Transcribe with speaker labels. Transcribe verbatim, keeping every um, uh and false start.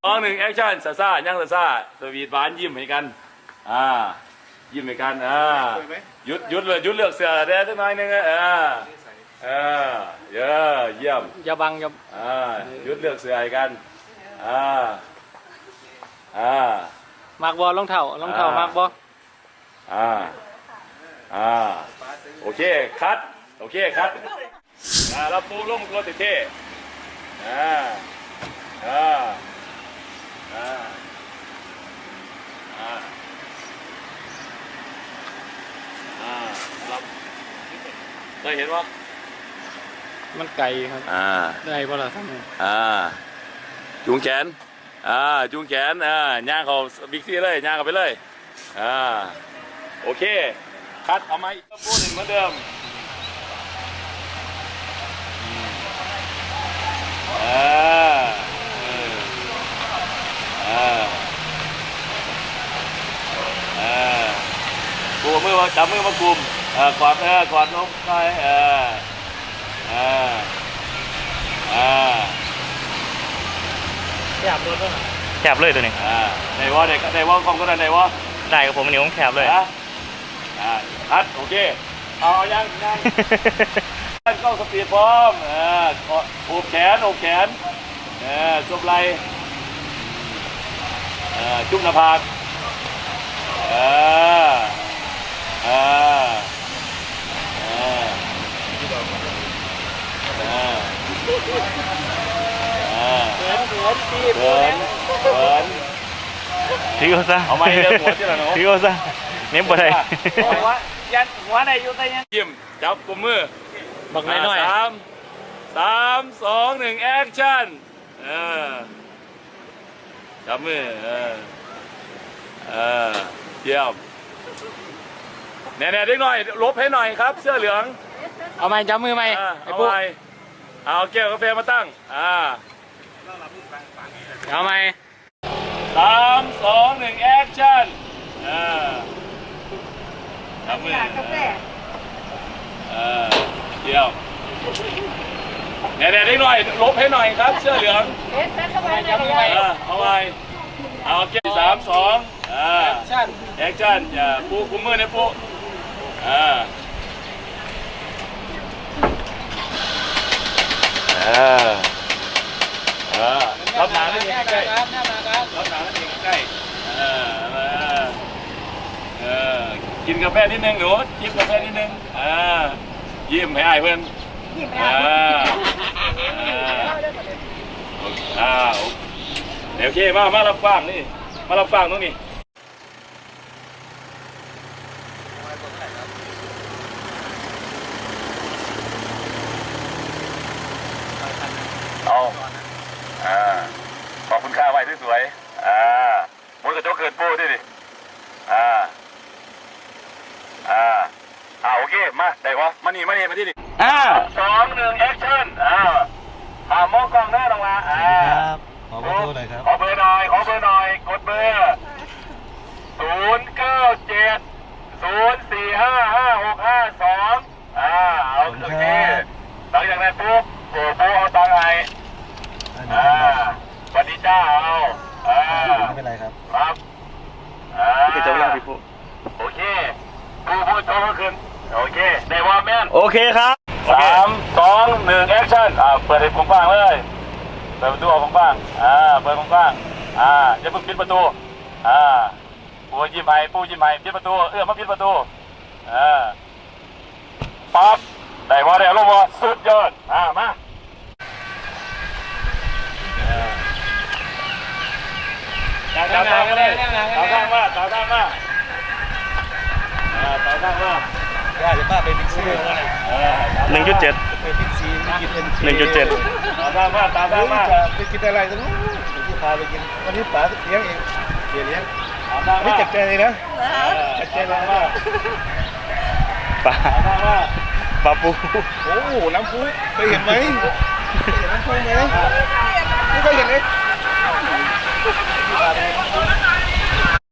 Speaker 1: สองหนึ่งแอคชั่นซาซ่าย่างซาซ่าสวีทหวานยิ้มให้กันอ่ายิ้มให้กันอ่าหยุดหยุดเลยหยุดเลือกเสือได้สักหน่อยนึงอ่าเออเยอะเยี่ยม
Speaker 2: อย่าบังอย่า
Speaker 1: อ่าหยุดเลือกเสือให้กันอ่าอ่าม
Speaker 2: ากบอลรองเท้ารองเท้ามากบอ
Speaker 1: อ่าอ่าโอเคคัดโอเคคัดอ่าแล้วปูลงตัวเท่ๆอ่าอ่าอ่าอ่าอ่ารับเคยเห็นว่า
Speaker 2: มันไก่ครับ
Speaker 1: อ่า
Speaker 2: ได้ป่ะล่ะท่าน
Speaker 1: อ่าจูงแขนอ่าจูงแขนอ่าย่างเขาบิ๊กซี่เลยย่างเขาไปเลยอ่าโอเคคัดเอาไม้ปูหนึ่งเหมือนเดิมอ่าอ่าอ่าปูมือมาจับมือมากลุ่มอ่ากอดเออกอดนกไปอ่าอ่าอ่า
Speaker 2: แคบรถด้วย
Speaker 3: แคบเลยตัวนี้
Speaker 1: อ่าในว่าในในว่าคอมก็ได้ในว่า
Speaker 3: ได้กับผมอันนี้ผมแคบเลย
Speaker 1: อ่าคัดโอเคเอายังยังเข้าสปีดพร้อมอ่าโอบแขนโอบแขนอ่าจุบไหล่อ่าจุบหน้าผากอ่าอ่าอ่าอ่าอ่า
Speaker 2: เขินเขินตี
Speaker 1: เขินเขิน
Speaker 3: ถือเอาซะ
Speaker 1: เอาไม่เรื่องหัวที่ละเนาะ
Speaker 3: ถือเอาซะเน้นบ่ได้
Speaker 2: หัวยันหัวไหนอยู่ใต้ยัน
Speaker 1: ยิ้มจับกุมมือ
Speaker 2: บักน้อยน้อย
Speaker 1: สามสามสองหนึ่งแอคชั่นเออจับมือเออเออเยี่ยมแน่ๆเด็กหน่อยลบให้หน่อยครับเสื้อเหลือง
Speaker 2: เอาไม้จับมือไหม
Speaker 1: เอาไม้เอาแก้วกาแฟมาตั้งอ่า
Speaker 2: เอาไม้
Speaker 1: สามสองหนึ่งแอคชั่นเออจับมือเออเยี่ยมแน่ๆเด็กหน่อยลบให้หน่อยครับเสื้อเหลืองเอาไว้เอาเก็บสามสองอ่าแอคชั่นอย่าปูคุมมือนะปูอ่าอ่าอ่ารับหนาได้ยังใกล้รับหนาได้ยังใกล้เออเออกินกาแฟนิดนึงหนูจิบกาแฟนิดนึงอ่ายิ้มให้อายเพื่อนอ่าอ่าเดี๋ยวโอเคมามารับฟังนี่มารับฟังตรงนี้เอาอ่าขอบคุณค่าไว้ที่สวยอ่ามุ้ยกระจกเกินปูดิดิอ่าอ่าอ่าโอเคมาได้วะมานี่มานี่มาที่นี่อ่าสองหนึ่งแอคชั่นอ่าหามองกล้องหน้าลงมาอ่า
Speaker 3: ครับขอเบอร์โทรหน่อยครับ
Speaker 1: ขอเบอร์หน่อยขอเบอร์หน่อยกดเบอร์ศูนย์เก้าเจ็ดศูนย์สี่ห้าห้าหกห้าสองอ่าเอาโอเคหลังจากนั้นปุ๊บโอ้โหเอาตังไงอ่าสวัสดีจ้าเอาอ่า
Speaker 3: ไม่เป็นไรครับ
Speaker 1: ครับอ่า
Speaker 3: พี่จะเล่าพี่ปุ๊
Speaker 1: โอเคผู้ผู้โตขึ้นโอเคได้ว่าแม่น
Speaker 3: โอเคครับ
Speaker 1: สามสองหนึ่งแอคชั่นอ่าเปิดให้ผมฟังเลยเปิดประตูออกผมฟังอ่าเปิดผมฟังอ่าอย่าเพิ่งปิดประตูอ่าปูยิ้มให้ปูยิ้มให้ปิดประตูเอื้อมมาปิดประตูอ่าปั๊บได้ว่าได้ลงว่าสุดยอดอ่ามาตาข้างมาเลยตาข้างมาตาข้างมาอ่าตาข้างมา
Speaker 3: ว่าจะป้าไปบิ๊กซีหนึ่งจุดเจ็ด
Speaker 2: ไปบิ๊กซีกินเอ็น
Speaker 3: หนึ่งจุดเจ็ด
Speaker 1: ตาข้างมาตาข้างมา
Speaker 2: ไปกินอะไรตรงนู้นที่พาไปกินวันนี้ป๋าเลี้ยงเองเสียเลี้ยงไม่จัดใจเลยนะจัดใจเลยว่า
Speaker 3: ปลาปลาปู
Speaker 2: โอ้โหน้ำปูเคยเห็นไหมเคยเห็นน้ำปูไหมไม่เคยเห็นเลย